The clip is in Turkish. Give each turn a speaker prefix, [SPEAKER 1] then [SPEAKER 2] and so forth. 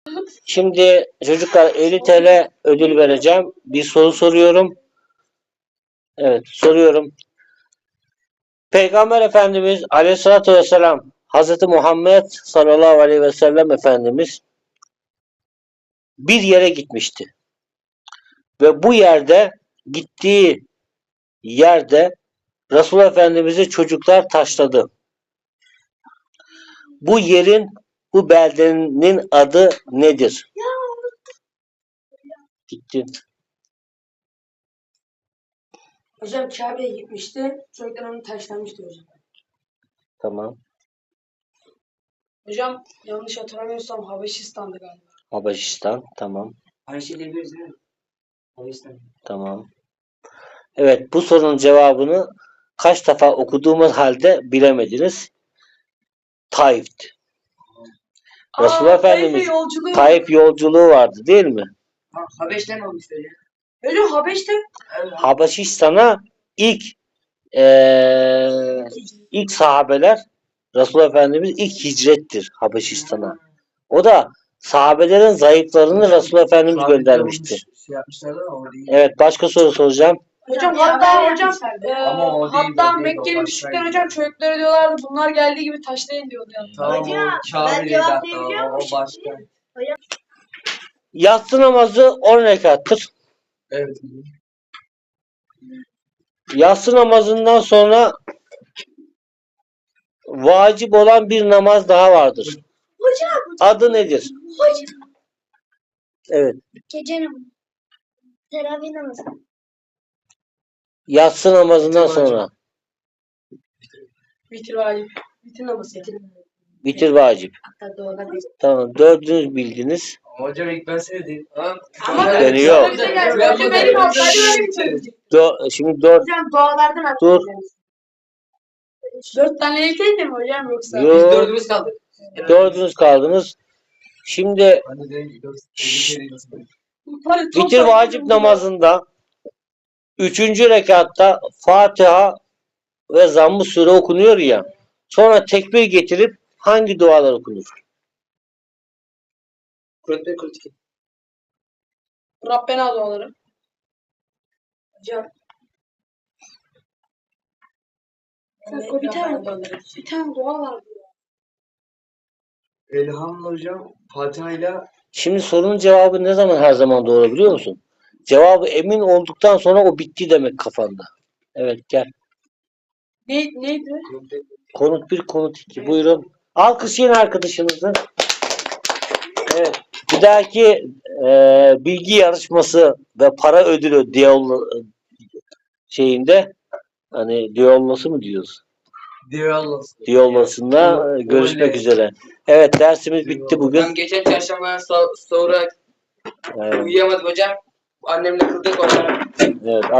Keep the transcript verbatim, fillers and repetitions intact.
[SPEAKER 1] Şimdi çocuklar elli T L ödül vereceğim. Bir soru soruyorum. Evet, soruyorum. Peygamber Efendimiz Aleyhisselatü Vesselam, Hazreti Muhammed sallallahu aleyhi ve sellem Efendimiz bir yere gitmişti. Ve bu yerde, gittiği yerde Resulullah Efendimiz'i çocuklar taşladı. Bu yerin, bu beldenin adı nedir? Gittin.
[SPEAKER 2] Hocam Kabe'ye gitmişti. Çocuklar onu taşlamıştı hocam.
[SPEAKER 1] Tamam.
[SPEAKER 2] Hocam yanlış hatırlamıyorsam Habeşistan'dı galiba.
[SPEAKER 1] Habeşistan. Tamam.
[SPEAKER 3] Aynı şey diyebiliriz değil mi? Habeşistan.
[SPEAKER 1] Tamam. Evet, bu sorunun cevabını kaç defa okuduğumuz halde bilemediniz. Taif'ti. Resulullah Efendimiz
[SPEAKER 2] yolculuğu.
[SPEAKER 1] Taif yolculuğu vardı değil mi?
[SPEAKER 3] Ha, Habeş'ten olmuş öyle.
[SPEAKER 2] Hocam Habeş'te.
[SPEAKER 3] Evet.
[SPEAKER 1] Habeşistan'a ilk ee, ilk sahabeler, Resulullah Efendimiz ilk hicrettir Habeşistan'a. O da sahabelerin zayıflarını Resulullah Efendimiz göndermişti.
[SPEAKER 3] Şey yapmışlardı ama o değil.
[SPEAKER 1] Evet, başka soru soracağım.
[SPEAKER 2] Hocam hatta hocam e,
[SPEAKER 3] Ama o değil,
[SPEAKER 2] hatta
[SPEAKER 3] o değil, o
[SPEAKER 2] Mekke'nin
[SPEAKER 3] başkaydı.
[SPEAKER 2] müşrikler hocam çocuklara diyorlardı bunlar geldiği gibi taşlayın diyordu yani.
[SPEAKER 3] Tamam
[SPEAKER 4] Hocam,
[SPEAKER 3] o Kabe'deydi
[SPEAKER 4] ben
[SPEAKER 3] hatta
[SPEAKER 4] cevaplayabiliyor
[SPEAKER 3] o, o
[SPEAKER 4] muyum
[SPEAKER 3] başka.
[SPEAKER 1] Yatsı namazı on rekattır.
[SPEAKER 3] Evet.
[SPEAKER 1] Yatsı namazından sonra vacip olan bir namaz daha vardır.
[SPEAKER 4] Hocam.
[SPEAKER 1] Adı nedir?
[SPEAKER 4] Hocam.
[SPEAKER 1] Evet.
[SPEAKER 4] Gece namazı. Teravih namazı.
[SPEAKER 1] Yatsı namazından
[SPEAKER 3] Vitir vacip.
[SPEAKER 1] sonra.
[SPEAKER 2] Vitir vacip. Vitir namazı.
[SPEAKER 1] Bitir vacip.
[SPEAKER 2] Hatta doğada bir.
[SPEAKER 1] Tamam. Dördünüz bildiniz.
[SPEAKER 3] Hocam ilk ben söyledim. Ha?
[SPEAKER 2] Ama
[SPEAKER 1] Beni yok.
[SPEAKER 2] Hocam benim altlarım öyle bir söyleyecek.
[SPEAKER 1] Dö- şimdi dört.
[SPEAKER 2] Hocam doğalardan
[SPEAKER 1] Dur.
[SPEAKER 2] atlayacağız. Dört tane ilkeydi mi hocam yoksa?
[SPEAKER 1] Yok.
[SPEAKER 3] Biz dördümüz kaldık.
[SPEAKER 1] Dördünüz kaldınız. Şimdi
[SPEAKER 3] Hani de dört.
[SPEAKER 1] Şşş.
[SPEAKER 2] Yukarı çok
[SPEAKER 1] bitir
[SPEAKER 2] çok-
[SPEAKER 1] vacip namazında üçüncü rekatta Fatiha ve Zamm-ı Sure okunuyor ya. Sonra tekbir getirip hangi dualar okunur?
[SPEAKER 3] Kur'an-ı Kur'an-ı
[SPEAKER 2] Rabbena duaları. Hocam. O bir tane, bir tane dua var.
[SPEAKER 3] Elhamdülillah hocam. Fatiha ile
[SPEAKER 1] Şimdi sorunun cevabı ne zaman her zaman doğru biliyor musun? Cevabı emin olduktan sonra o bitti demek kafanda. Evet gel.
[SPEAKER 2] Ne, neydi?
[SPEAKER 1] Konut bir, konut iki. Buyurun. Alkışlayın arkadaşınızı. Evet. Bir dahaki e, bilgi yarışması ve para ödülü diyalog şeyinde hani diyalogası mı diyoruz?
[SPEAKER 3] Diyalog.
[SPEAKER 1] Diyalog'sunda e, görüşmek
[SPEAKER 3] Oley.
[SPEAKER 1] üzere. Evet dersimiz bitti bugün.
[SPEAKER 5] Ben geçen çarşamba so- sonra
[SPEAKER 1] Evet,
[SPEAKER 5] uyuyamadım hocam. Annemle kıldık onlara.
[SPEAKER 1] evet.